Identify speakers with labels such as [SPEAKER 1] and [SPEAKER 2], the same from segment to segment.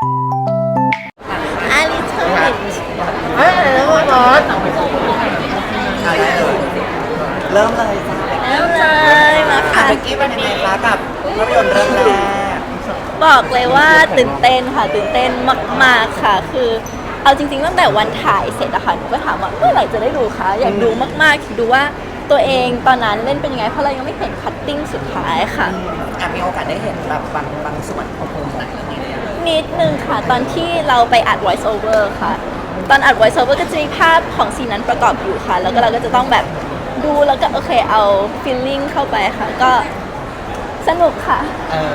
[SPEAKER 1] อาริเทอร์
[SPEAKER 2] เฮ้ยแล้วบอสได้เลยเริ่มเลยจ้า
[SPEAKER 1] เริ่มเลยมาค่ะ
[SPEAKER 2] เมื่อกี้เป็นยังไงคะกับภาพยนตร์เรื่องแรก
[SPEAKER 1] บอกเลยว่าตื่นเต้นค่ะตื่นเต้นมากๆค่ะ คือเอาจริงๆตั้งแต่วันถ่ายเสร็จอะค่ะหนูก็ถามว่าเมื่อไหร่จะได้ดูคะอยากดูมากๆดูว่าตัวเองตอนนั้นเล่นเป็นยังไงเพราะเรายังไม่เห็นคัตติ้งสุดท้ายค่ะ
[SPEAKER 2] มีโอกาสได้เห็นแบบบางส่วนของโครงหนังเรื่องนี้เนี่ย
[SPEAKER 1] นิดนึงค่ะตอนที่เราไปอัด voice over ค่ะตอนอัด voice over ก็จะมีภาพของซีนนั้นประกอบอยู่ค่ะแล้วก็เราก็จะต้องแบบดูแล้วก็โอเคเอา feeling เข้าไปค่ะก็สนุกค่ะ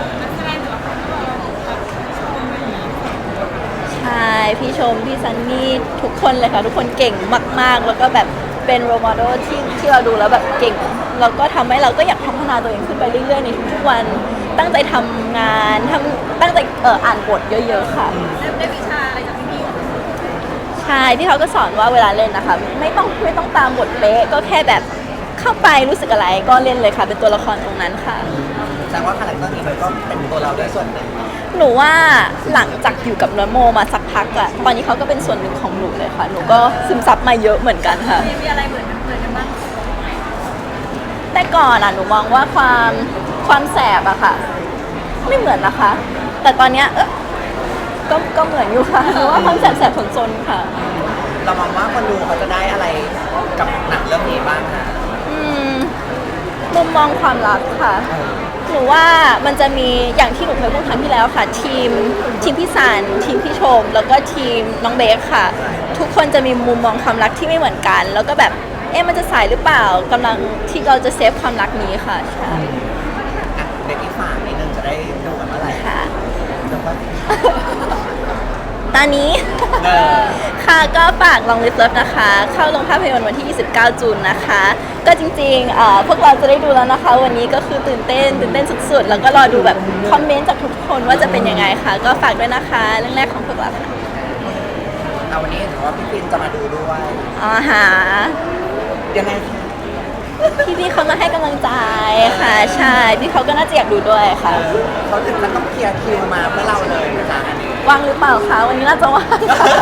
[SPEAKER 1] ใช่พี่ชมพี่ซันนี่ทุกคนเลยค่ะทุกคนเก่งมากๆแล้วก็แบบเป็นโร l โมเดลที่เราดูแล้วแบบเก่งแล้วก็ทำให้เราก็อยากพัฒนาตัวเองขึ้นไปเรื่อยๆในทุกๆวันตั้งใจทำงานตั้งใจอ่านบทเยอะๆค่ะได้วิชาอะไรจากพี่ใช่ที่เขาก็สอนว่าเวลาเล่นนะคะไม่ต้องตามบทเป๊ะก็แค่แบบเข้าไปรู้สึกอะไรก็เล่นเลยค่ะเป็นตัวละครตรงนั้นค่ะ
[SPEAKER 2] แสดงว่าคาแรคเตอร์นี้มันก็เป็นตัวเราด้วยส่วนหนึ่ง
[SPEAKER 1] หนูว่าหลังจากอยู่กับนโมมาสักพักอะตอนนี้เขาก็เป็นส่วนหนึ่งของหนูเลยค่ะหนูก็ซึมซับมาเยอะเหมือนกันค่ะมีอะไรเหมือนกันบ้างแต่ก่อนอะหนูมองว่าความแสบอะค่ะไม่เหมือนนะคะ แต่ตอนเนี้ยก็เหมือนอยู่ค่ะหนูว่าความแสบๆสนๆค่ะ
[SPEAKER 2] เรามองว่าคนดูเขาจะได้อะไรกับหนังเรื่องนี้บ้างคะ
[SPEAKER 1] มุมมองความรักค่ะหนูว่ามันจะมีอย่างที่หนูเคยพูดครั้งที่แล้วค่ะทีมพี่สานทีมพี่ชมแล้วก็ทีมน้องเบคค่ะทุกคนจะมีมุมมองความรักที่ไม่เหมือนกันแล้วก็แบบมันจะสายหรือเปล่ากำลังที่เราจะเซฟความรักนี้ค่ะใช่
[SPEAKER 2] เด็กที่ฝากนิดนึงจะได้ดูกันเมื่อไหร่
[SPEAKER 1] ค่ะตอนนี้ค่ะก็ฝากลองลิฟต์เลิฟนะคะเข้าลงภาพยนตร์วันที่ 29 จูนนะคะก็จริงๆพวกเราจะได้ดูแล้วนะคะวันนี้ก็คือตื่นเต้นสุดๆแล้วก็รอดูแบบคอมเมนต์จากทุกคนว่าจะเป็นยังไงค่ะก็ฝากด้วยนะคะเรื่องแรกของพวกเราค่ะ
[SPEAKER 2] วันนี้เห็นว่าพี่ฟินจะมาดูด้วย
[SPEAKER 1] หา
[SPEAKER 2] ยังไงคะ
[SPEAKER 1] พี่เขามาให้กำลังใจค่ะใช่พี่เขาก็น่าจะอยากดูด้วยค่ะ
[SPEAKER 2] เขาถึงจะต้องเคลียร์คิวมาเพื่อเราเลยนะคะอันนี้
[SPEAKER 1] ว่างหรือเปล่าคะวันนี้น่าจะว่าง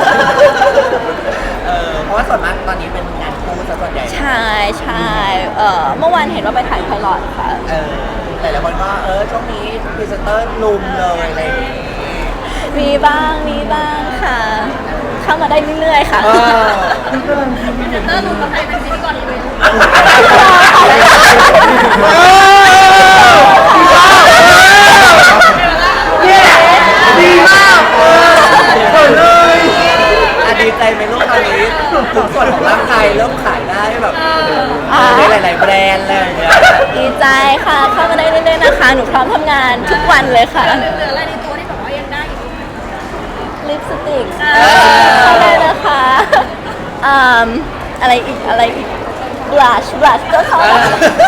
[SPEAKER 2] เพราะว่าส่วนมากตอนนี้เป็นงานคู่ซะส่วนใหญ่
[SPEAKER 1] ใช่เมื่อวานเห็นว่าไปถ่ายไพลอตค่ะ
[SPEAKER 2] แต่ละคนก็ช่วงนี้พรีเซนเตอร์ลุมเลยอะไรอย่างงี้
[SPEAKER 1] มีบ้างค่ะเข้ามาได้เรื่อยๆค่ะ
[SPEAKER 3] พรีเซนเตอร์ลุมกับใครเป็นพิธีกรเลย
[SPEAKER 2] ดีมากเลยดีใจไหมลูกตอนนี้ทุกส่วนของร่างกายเริ่มขายได้แบบได้หลายๆแบรนด์เลย
[SPEAKER 1] ดีใจค่ะเข้ามาได้เรื่อยๆนะคะหนูพร้อมทำงานทุกวันเลยค่ะ
[SPEAKER 3] เหลืออะไรในตัวที่แบบว่ายังได้อยู่
[SPEAKER 1] ลิปสติกเข้าได้นะคะอะไรอีกบลัชก็เข้าได้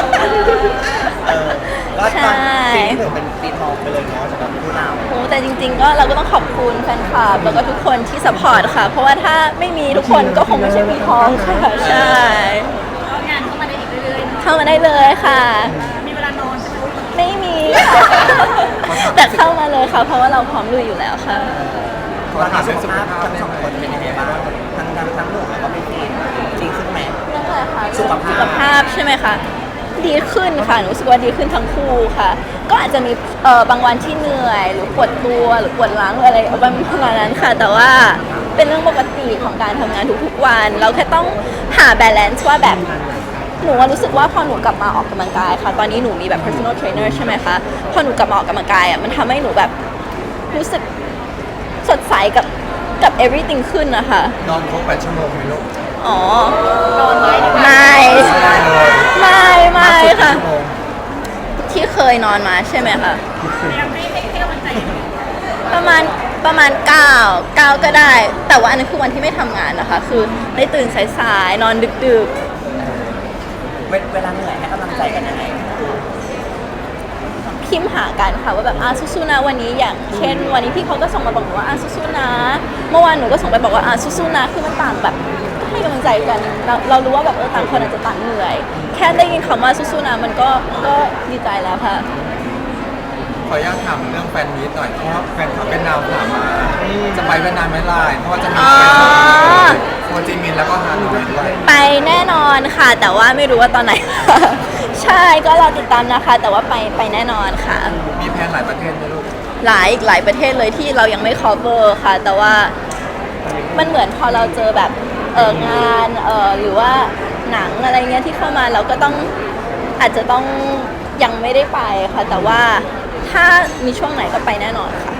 [SPEAKER 2] ใช่ปีนี้ถือเป็นปีทองไปเลยเนาะสำหรับผู้นำ
[SPEAKER 1] แต่จริงๆก็เราก็ต้องขอบคุณแฟนคลับแล้วก็ทุกคนที่สปอร์ตค่ะเพราะว่าถ้าไม่มีทุกคนก็คงไม่ใช่ปีทองค่ะใช่
[SPEAKER 3] งานเข้ามาได้อีกเรื่อย
[SPEAKER 1] ๆเข้ามาได้เลยค่ะ
[SPEAKER 3] มีเวลานอน
[SPEAKER 1] ไม่มีค่ะแต่เข้ามาเลยค่ะเพราะว่าเราพร้อมลุยอยู่แล้วค่ะ
[SPEAKER 2] ตอนนี้สุขภาพทั้งสองคนเป็นยังไงบ้างทั้งหนุ่มแล้วก็พี่ฟินจริงขึ้นไหม
[SPEAKER 1] เรื่องอะไรคะ
[SPEAKER 2] สุข
[SPEAKER 1] ภาพใช่ไหมคะดีขึ้นค่ะหนูรู้สึกว่าดีขึ้นทั้งคู่ค่ะก็อาจจะมีบางวันที่เหนื่อยหรือปวดตัวหรือปวดหลังหรืออะไรประมาณนั้นค่ะแต่ว่าเป็นเรื่องปกติของการทำงานทุกๆวันเราแค่ต้องหา balance ว่าแบบหนูรู้สึกว่าพอหนูกลับมาออกกำลังกายค่ะตอนนี้หนูมีแบบ personal trainer ใช่ไหมคะพอหนูกลับมาออกกำลังกายมันทำให้หนูแบบรู้สึกสดใสกับ everything ขึ้นนะคะ
[SPEAKER 2] นอนครบ8 ชั่วโมงไหมลูก
[SPEAKER 1] นอนไม่ค่ะที่เคยนอนมาใช่ไหมคะประมาณ9ก็ได้แต่ว่าอันนั้นคือวันที่ไม่ทำงานนะคะคือได้ตื่นสายๆนอนดึก
[SPEAKER 2] เวลาเหนื่อยให้กำลังใจกันยังไง
[SPEAKER 1] พิมพ์หากันค่ะว่าแบบสู้ๆนะวันนี้อย่างเช่นวันนี้พี่เขาก็ส่งมาบอกหนูว่าสู้ๆนะเมื่อวานหนูก็ส่งไปบอกว่าสู้ๆนะคือมันต่างแบบให้กำลังใจกันเรารู้ว่าแบบต่างคนอาจจะต่างเหนื่อยแค่ได้ยินคำว่าสู้ๆนะมันก็ดีใจแล้วค่ะ
[SPEAKER 4] ขออนุญาตถามเรื่องแฟนมีตหน่อยเพราะแฟนคลับเป็นดาวถามมาจะไปเวียดนามไหมล่ะเพราะว่าจะมี
[SPEAKER 1] อ๋อ
[SPEAKER 4] โฮจิมินห์แล้วก็ฮานอยด้วย
[SPEAKER 1] ไปแน่นอนค่ะ แต่ว่าไม่รู้ว่าตอนไหน ใช่ก็รอติดตามนะคะ แต่ว่าไปแน่นอนค่ะ
[SPEAKER 4] มีแพลนหลายประเทศไหมลูก
[SPEAKER 1] อีกหลายประเทศเลยที่เรายังไม่ cover ค่ะ แต่ว่ามันเหมือนพอเราเจอแบบงานหรือว่าหนังอะไรเงี้ยที่เข้ามาเราก็ต้องอาจจะต้องยังไม่ได้ไปค่ะ แต่ว่าถ้ามีช่วงไหนก็ไปแน่นอนค่ะ